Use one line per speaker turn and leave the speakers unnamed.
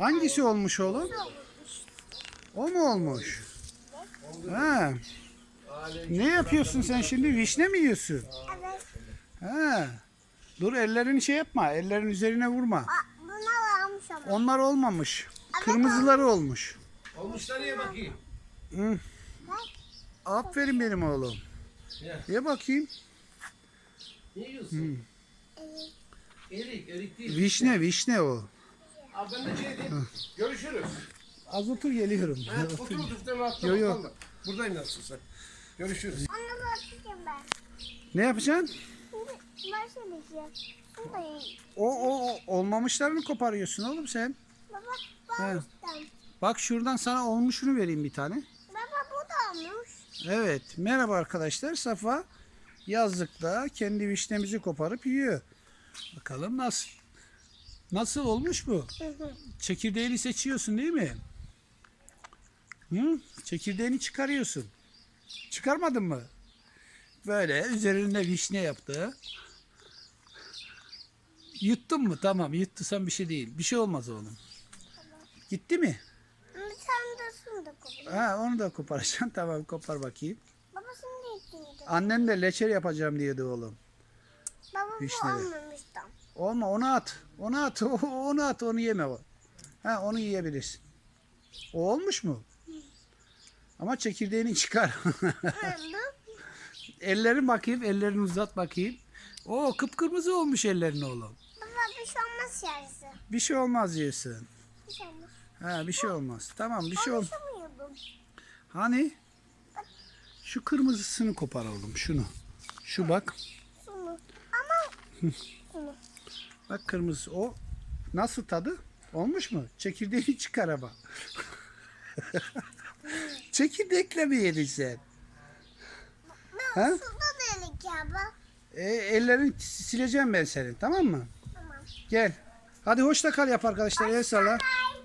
Hangisi olmuş oğlum? O mu olmuş? Ha. Ne yapıyorsun sen şimdi? Vişne mi yiyorsun?
Evet.
Ha. Dur ellerini şey yapma. Ellerin üzerine vurma.
Bunlar almış ama.
Onlar olmamış. Kırmızıları olmuş.
Olmuşlar ye bakayım.
Hı. Aferin benim oğlum.
Ya.
Ye bakayım.
Ne yiyorsun? Erik değil.
Vişne o.
Abi ben de şey diyeyim. Görüşürüz.
Az otur geliyorum.
Ha, otur otur. Sen rahatla
Yo, yo.
bakalım. Buradayım nasıl sen. Görüşürüz.
Onu bakacağım ben.
Ne yapacaksın?
Şimdi başlayacağım. Bunu da yiyeyim.
O olmamışlarını koparıyorsun oğlum sen.
Baba
He.
bağıştan.
Bak şuradan sana olmuşunu vereyim bir tane.
Baba bu da olmuş.
Evet. Merhaba arkadaşlar. Safa yazlıkta kendi vişnemizi koparıp yiyor. Bakalım nasıl? Nasıl olmuş bu? Çekirdeğini seçiyorsun değil mi? Hı? Çekirdeğini çıkarıyorsun. Çıkarmadın mı? Böyle üzerinde vişne yaptı. Yuttun mu? Tamam. Yuttusan bir şey değil. Bir şey olmaz oğlum. Gitti mi?
Ama sen de şunu da koy.
Ha, onu da koparacaksın. Tamam, kopar bakayım.
Baba şunu da içinde.
Annen de leçer yapacağım diyordu oğlum.
Baba bu
Vişneli.
olmamış tam.
Olma, onu at. Onu at. Onu at. Onu yeme o. Ha, onu yiyebilirsin. O olmuş mu? Ama çekirdeğini çıkar.
Bu
Ellerin bakayım. Ellerini uzat bakayım. O kıpkırmızı olmuş ellerin oğlum.
baba bir şey olmaz yarısı.
Bir şey olmaz diyorsun.
Bir şey olmaz.
Ha, bir şey olmaz. Tamam, bir şey ol.
Konuşamıyordum.
Hani? Şu kırmızısını kopar oğlum. Şunu. Şu bak.
Şunu. Ama şunu.
Bak kırmızı. O nasıl tadı? Olmuş mu? Çekirdeğini çıkar ama. Çekirdekle mi yedin sen?
Ben
Ha?
suda delik ya bak.
Ellerini sileceğim ben senin. Tamam mı?
Tamam.
Gel. Hadi hoşça kal yap arkadaşlar. El salla.
Bye.